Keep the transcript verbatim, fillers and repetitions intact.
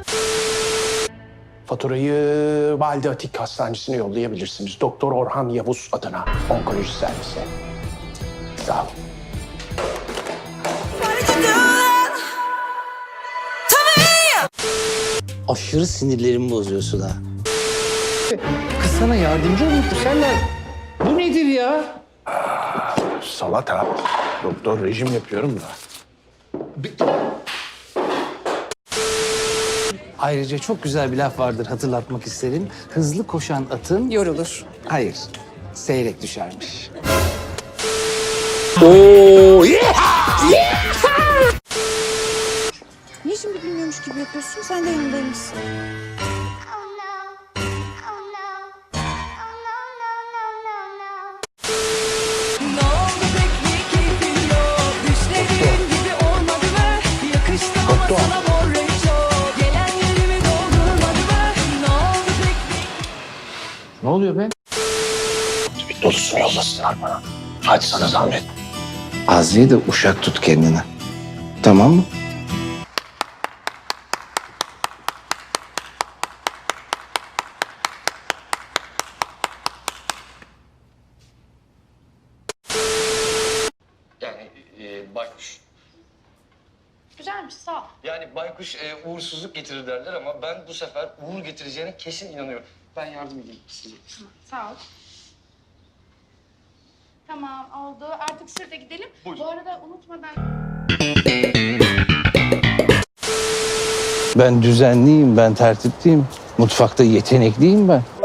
Faturayı Valide Atik Hastanesi'ne yollayabilirsiniz. Doktor Orhan Yavuz adına onkoloji servisi. Sağ olun. Aşırı sinirlerimi bozuyorsun ha. Kız sana yardımcı olmuştu senden. Bu nedir ya? Salata. Doktor rejim yapıyorum da. Ayrıca çok güzel bir laf vardır, hatırlatmak isterim. Hızlı koşan atın... Yorulur. Hayır, seyrek düşermiş. Niye şimdi bilmiyormuş gibi yapıyorsun? Sen de yanındaymışsın. Oh no, oh no, oh no, no, no, no, no. Ne oldu pek keyfin yok? Düşlediğin gibi olmadı mı? Yakıştı ama sana mor renk çok. Gelen yerimi doldurmadı mı? Ne oldu pek Ne oluyor be? Bir dolusunu yollasınlar bana. Hadi sana zahmet. Azri'ye de uşak tut kendine. Tamam mı? Yani e, baykuş. Güzelmiş, sağ ol. Yani baykuş e, uğursuzluk getirir derler ama ben bu sefer uğur getireceğine kesin inanıyorum. Ben yardım edeyim size. Sağ ol. Tamam, oldu. Artık şurada gidelim. Buyurun. Bu arada unutmadan... Ben düzenliyim, ben tertipliyim. Mutfakta yetenekliyim ben.